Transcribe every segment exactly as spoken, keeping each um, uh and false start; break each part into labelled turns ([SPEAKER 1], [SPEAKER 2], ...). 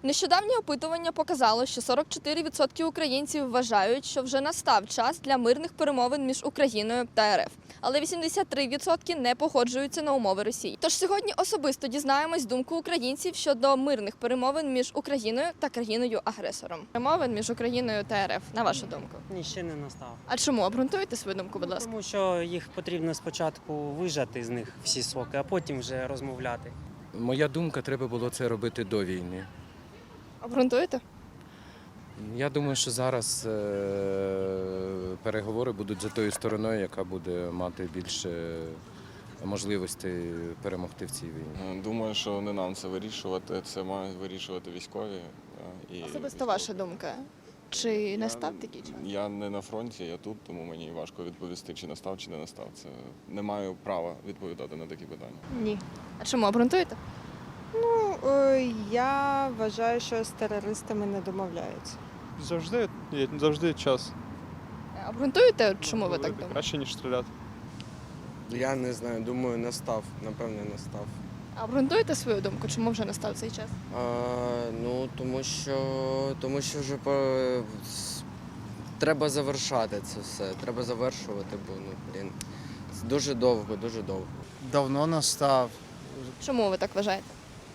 [SPEAKER 1] Нещодавнє опитування показало, що сорок чотири відсотки українців вважають, що вже настав час для мирних перемовин між Україною та РФ. Але вісімдесят три відсотки не погоджуються на умови Росії. Тож сьогодні особисто дізнаємось думку українців щодо мирних перемовин між Україною та країною-агресором. Перемовин між Україною та РФ, на вашу думку?
[SPEAKER 2] Ні, ще не настав.
[SPEAKER 1] А чому? Обґрунтуйте свою думку, будь ласка.
[SPEAKER 2] Тому що їх потрібно спочатку вижати з них всі соки, а потім вже розмовляти.
[SPEAKER 3] Моя думка, треба було це робити до війни.
[SPEAKER 1] Обґрунтуєте?
[SPEAKER 3] Я думаю, що зараз е, переговори будуть за тою стороною, яка буде мати більше можливостей перемогти в цій війні.
[SPEAKER 4] Думаю, що не нам це вирішувати, це мають вирішувати військові. І
[SPEAKER 1] Особисто
[SPEAKER 4] військові.
[SPEAKER 1] ваша думка. Чи настав такий час?
[SPEAKER 4] Я не на фронті, я тут, тому мені важко відповісти, чи настав, чи не настав. Це не маю права відповідати на такі питання.
[SPEAKER 1] Ні. А чому? Обґрунтуєте?
[SPEAKER 5] Ну, е, я вважаю, що з терористами не домовляються.
[SPEAKER 6] Завжди є завжди час.
[SPEAKER 1] Обґрунтуєте, чому ви так
[SPEAKER 6] Говорити
[SPEAKER 1] думаєте?
[SPEAKER 6] краще, ніж стріляти.
[SPEAKER 7] Я не знаю, думаю, настав, напевне, настав.
[SPEAKER 1] А обґрунтуєте свою думку, чому вже настав цей час?
[SPEAKER 7] А, ну, тому що, тому що вже по... с- треба завершати це все. Треба завершувати, бо ну, блін, це дуже довго, дуже довго.
[SPEAKER 8] Давно настав.
[SPEAKER 1] Чому ви так вважаєте?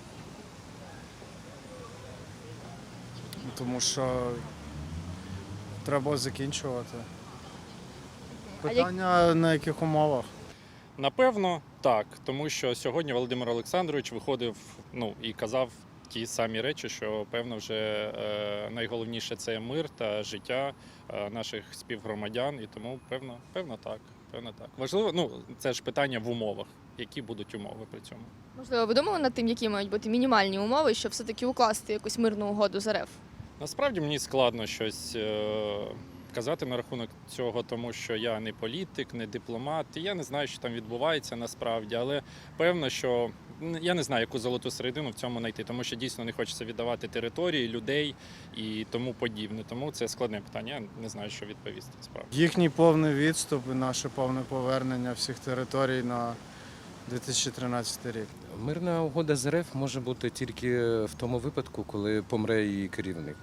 [SPEAKER 8] Тому що треба закінчувати.
[SPEAKER 1] А як-
[SPEAKER 8] Питання на яких умовах?
[SPEAKER 9] Напевно, так, тому що сьогодні Володимир Олександрович виходив ну, і казав ті самі речі, що певно вже е, найголовніше це мир та життя е, наших співгромадян, і тому певно, певно так. Певно так. Важливо, ну це ж питання в умовах, які будуть умови при цьому.
[SPEAKER 1] Можливо, ви думали над тим, які мають бути мінімальні умови, щоб все-таки укласти якусь мирну угоду з РФ?
[SPEAKER 9] Насправді мені складно щось е, казати на рахунок цього, тому що я не політик, не дипломат, і я не знаю, що там відбувається насправді, але певно, що н- я не знаю, яку золоту середину в цьому знайти, тому що дійсно не хочеться віддавати території, людей і тому подібне. Тому це складне питання, я не знаю, що відповісти справді.
[SPEAKER 8] Їхній повний відступ і наше повне повернення всіх територій на дві тисячі тринадцятий рік.
[SPEAKER 3] Мирна угода з РФ може бути тільки в тому випадку, коли помре її керівник.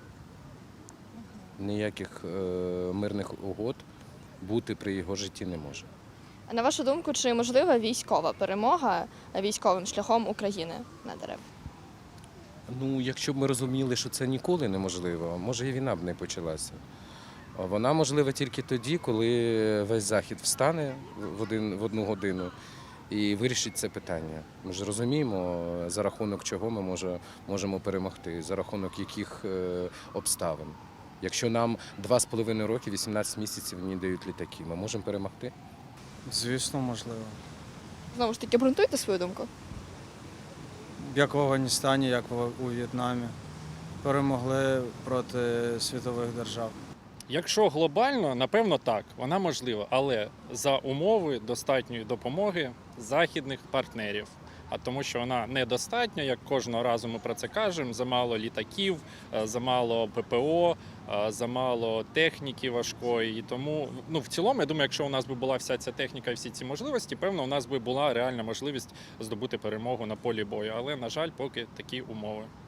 [SPEAKER 3] Ніяких е, мирних угод бути при його житті не може.
[SPEAKER 1] А на вашу думку, чи можлива військова перемога військовим шляхом України над РФ?
[SPEAKER 3] Ну, якщо б ми розуміли, що це ніколи неможливо, може і війна б не почалася. Вона можлива тільки тоді, коли весь Захід встане в, один, в одну годину і вирішить це питання. Ми ж розуміємо, за рахунок чого ми може, можемо перемогти, за рахунок яких е, обставин. Якщо нам два з половиною роки, вісімнадцять місяців не дають літаки, ми можемо перемогти?
[SPEAKER 8] Звісно, можливо.
[SPEAKER 1] Знову ж таки, обґрунтуйте свою думку.
[SPEAKER 8] Як в Афганістані, як в- у В'єтнамі. Перемогли проти світових держав.
[SPEAKER 9] Якщо глобально, напевно, так, вона можлива, але за умови достатньої допомоги західних партнерів. А тому, що вона недостатня, як кожного разу ми про це кажемо, замало літаків, е, замало ППО, е, замало техніки важкої. І тому, ну, в цілому, я думаю, якщо у нас би була вся ця техніка і всі ці можливості, певно, у нас би була реальна можливість здобути перемогу на полі бою. Але, на жаль, поки такі умови.